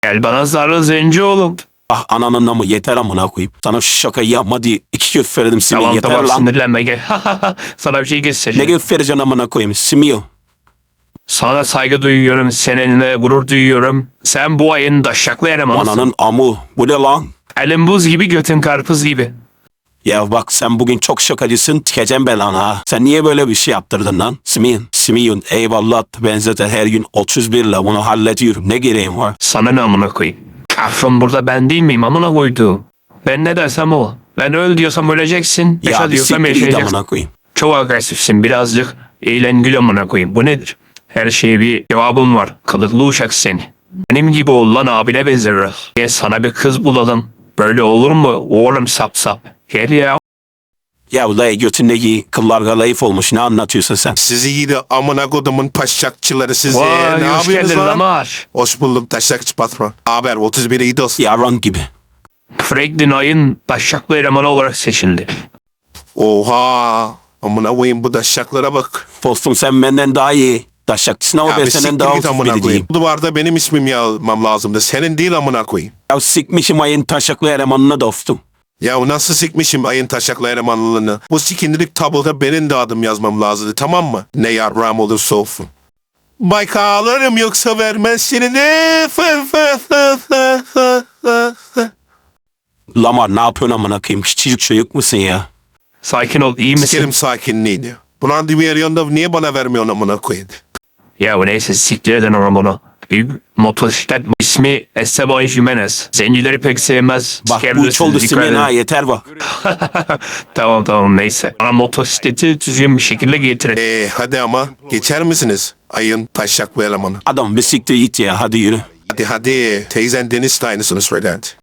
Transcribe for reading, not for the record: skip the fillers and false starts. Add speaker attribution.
Speaker 1: Gel bana sarıl zenci oğlum.
Speaker 2: Ah ananın namı yeter amına koyayım. Sana şu şakayı yapma diye 2 kez söyledim Simil
Speaker 1: Tamam
Speaker 2: yeter
Speaker 1: tamam
Speaker 2: lan.
Speaker 1: sinirlenme gel. Sana bir şey
Speaker 2: Ne
Speaker 1: göstereceğim.
Speaker 2: göstereceksin amına koyayım Simil.
Speaker 1: Sana saygı duyuyorum. Seninle gurur duyuyorum. Sen bu ayın daşaklı elemanısın.
Speaker 2: Ananın amı bu ne lan?
Speaker 1: Elin buz gibi götün karpuz gibi.
Speaker 2: Ya bak sen bugün çok şakacısın tikeceğim belanı ha. Sen niye böyle bir şey yaptırdın lan? Simil eyvallah ben zaten her gün 31 ile bunu hallediyorum. Ne gereğim var?
Speaker 1: Sana ne amına koyayım? Patron burada ben değil miyim amına koyduğum? Ben ne dersem o. Ben öl diyorsam öleceksin. Yaşa
Speaker 2: Ya bir
Speaker 1: diyorsam
Speaker 2: siktir git
Speaker 1: yaşayacaksın.
Speaker 2: amına koyayım.
Speaker 1: Çok agresifsin birazcık. Eğlen gül amına koyayım. Bu nedir? Her şeye bir cevabım var. Kılıklı uşak seni. Benim gibi ol lan abine benzeriz. Gel sana bir kız bulalım. Böyle olur mu? Oğlum sap sap. Gel ya.
Speaker 2: Ya lay götündeki kıllar galayıf olmuş ne anlatıyorsun sen?
Speaker 3: Sizi iyi de amına kodumun paşakçıları sizi.
Speaker 1: Vay
Speaker 3: Ne
Speaker 1: hoş
Speaker 3: yapıyorsunuz
Speaker 1: geldin
Speaker 3: lan?
Speaker 1: Lamar.
Speaker 3: Hoş bulduk taşakçı patron. Haber 31 iyi dost.
Speaker 2: Yaran gibi.
Speaker 1: Franklin ayın taşaklı elemanı olarak seçildi.
Speaker 3: Oha. Amına koyayım bu taşaklara bak.
Speaker 2: Dostum sen benden daha iyi. Taşakçısın ama
Speaker 3: Ya
Speaker 2: ben
Speaker 3: bir
Speaker 2: senden
Speaker 3: siktir
Speaker 2: daha
Speaker 3: git
Speaker 2: ucuz
Speaker 3: amına
Speaker 2: biri
Speaker 3: koyayım.
Speaker 2: diyeyim.
Speaker 3: Bu duvarda benim ismim yazmam lazımdı. Senin değil amına koyayım.
Speaker 2: Ya sikmişim ayın taşaklı elemanını dostum.
Speaker 3: Ya nasıl sikmişim ayın taşaklı elemanlığını. Bu sikindirik tabloda benim de adım yazmam lazımdı tamam mı? Ne yarram olursa olsun. Bayka alırım yoksa vermezsin.
Speaker 2: Lamar ne yapıyorsun amına koyayım? Küçücük çocuk musun ya?
Speaker 1: Sakin ol iyi misin?
Speaker 3: Sikerim sakinliğini. Bu randevu arıyorsun niye bana vermiyorsun amına koyayım?
Speaker 1: Ya neyse siktir edin onu bunu. Bir motosiklet ismi Esteban Jimenez. Zencileri pek sevmez.
Speaker 2: Bak bu
Speaker 1: Sikebilirsiniz,
Speaker 2: üç oldu
Speaker 1: dikkat
Speaker 2: Simil
Speaker 1: edin.
Speaker 2: ha yeter bak.
Speaker 1: Tamam neyse. Bana motosikleti düzgün bir şekilde getirin.
Speaker 3: Hadi ama geçer misiniz? Ayın taşaklı elemanı.
Speaker 2: Adam bir siktir git ya hadi yürü.
Speaker 3: Hadi teyzen Deniz de aynısını söylerdi.